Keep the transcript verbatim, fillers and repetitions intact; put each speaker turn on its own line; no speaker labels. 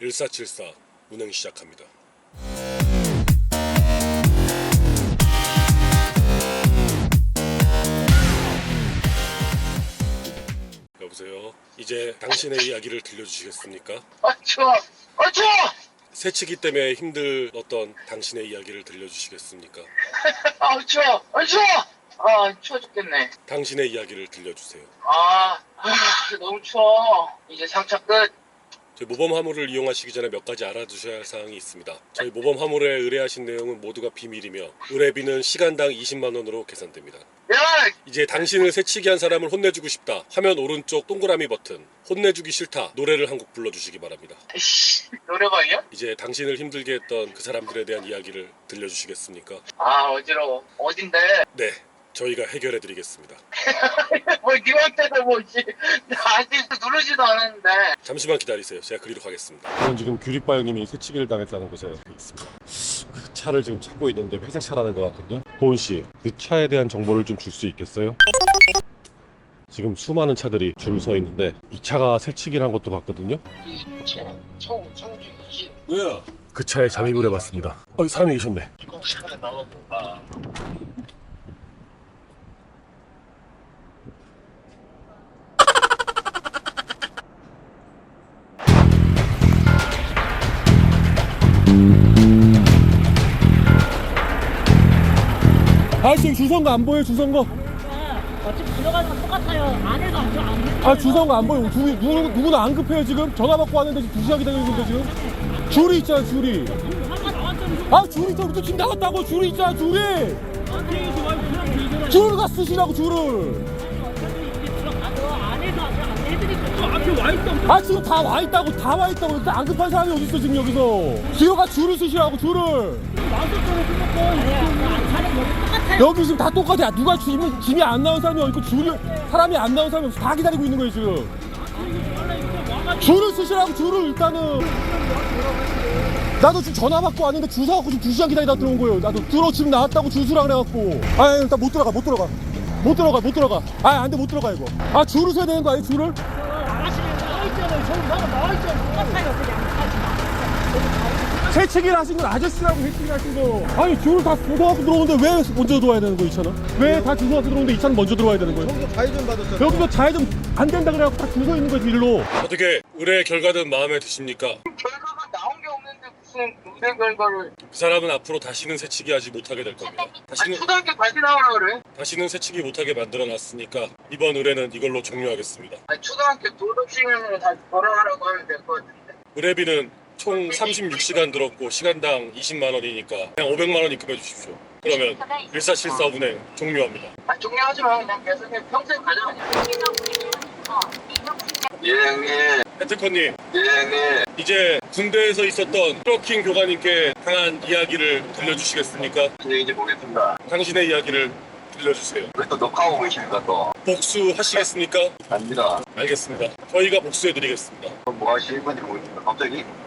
일사칠사 운행 시작합니다. 여보세요. 이제 당신의 이야기를 들려주시겠습니까?
아 추워! 아 추워!
새치기 때문에 힘들었던 당신의 이야기를 들려주시겠습니까?
아 추워! 아 추워! 아 추워 죽겠네.
당신의 이야기를 들려주세요.
아, 아 너무 추워. 이제 상차 끝.
저희 모범 화물을 이용하시기 전에 몇 가지 알아두셔야 할 사항이 있습니다. 저희 모범 화물에 의뢰하신 내용은 모두가 비밀이며 의뢰비는 시간당 이십만 원으로 계산됩니다.
야!
이제 당신을 새치기 한 사람을 혼내주고 싶다. 화면 오른쪽 동그라미 버튼 혼내주기 싫다 노래를 한 곡 불러주시기 바랍니다.
씨, 노래방이야?
이제 당신을 힘들게 했던 그 사람들에 대한 이야기를 들려주시겠습니까?
아 어지러워. 어딘데?
네, 저희가 해결해드리겠습니다.
뭐 니한테도 뭐지? 나 아직 누르지도 않았는데.
잠시만 기다리세요. 제가 그리로 가겠습니다. 저는 지금 규리빠 형님이 새치기를 당했다는 곳에 있습니다. 그 차를 지금 찾고 있는데 회색 차라는 것 같거든요. 보은 씨, 그 차에 대한 정보를 좀 줄 수 있겠어요? 지금 수많은 차들이 줄 서 있는데 이 차가 새치기를 한 것도 봤거든요.
총 청주 이십.
왜요? 그 차에 잠입을 해봤습니다. 어, 사람이 계셨네.
차에 나와볼까?
아 지금 주선거 안 보여요? 주선거?
어차피 들어가는 건 똑같아요. 안에서 안, 안
아 주선거 안 보여. 누구, 누구, 누구나 안 급해요 지금? 전화 받고 왔는데 지금 두 시간 기다리고 있는데 지금? 줄이 있잖아 줄이. 아 줄이 있잖아. 또 지금 나갔다고. 줄이 있잖아 줄이. 줄을 가 쓰시라고 줄을. 아 지금 다 와 있다고 다 와 있다고. 근데 안 급한 사람이 어디 있어 지금 여기서? 기어가 줄을 쓰시라고 줄을. 여기 지금 다 똑같아. 누가 짐이, 짐이 안 나온 사람이 어디 있고 줄이 사람이 안 나온 사람이 없어. 다 기다리고 있는 거예요 지금. 줄을 쓰시라고 줄을 일단은. 나도 지금 전화 받고 왔는데 줄 서갖고 지금 두 시간 기다리다 들어온 거예요. 나도 들어 지금 나왔다고 줄 서라 그래갖고. 아 일단 못 들어가 못 들어가 못 들어가 못 들어가. 아 안돼 못 들어가 이거. 아 줄을 서야 되는 거 아니에요 줄을? 새치기를 하신 건 아저씨라고 새치기를 하신 거. 아니 줄을 다 서갖고 들어오는데 왜 먼저 들어와야 되는 거 이 차는? 왜 다 줄 서갖고 들어오는데 이 차는 먼저 들어와야 되는 거예요?
여기서 좌회전 받았잖아.
여기서 좌회전 안 된다 그래갖고 다 줄 서 있는 거지 일로.
어떻게 의뢰 결과는 마음에 드십니까?
결과가 나온 게 없는데 무슨 무슨 결과를?
그 사람은 앞으로 다시는 새치기 하지 못하게 될 겁니다.
아니
다시는
초등학교 다시 나오라 그래.
다시는 새치기 못하게 만들어놨으니까 이번 의뢰는 이걸로 종료하겠습니다.
아니 초등학교 졸업 시간으로 다시 돌아가라고 하면 될 것 같은데.
의뢰비는 총 삼십육 시간 들었고 시간당 이십만 원이니까 그냥 오백만 원 입금해 주십시오. 그러면 일사칠사 운행 종료합니다.
아 종료하지 마. 그냥 계속 그냥 평생 가자 그냥. 예 형님.
해트커님,
예 형님.
이제 군대에서 있었던 트러킹 교관님께 당한 이야기를 들려주시겠습니까?
안녕히 이제 보겠습니다.
당신의 이야기를 들려주세요.
왜 또 녹화하고 계십니까 또?
복수하시겠습니까?
아닙니다.
알겠습니다. 저희가 복수해드리겠습니다.
그럼 뭐 하실 건지 모르겠습니다. 갑자기?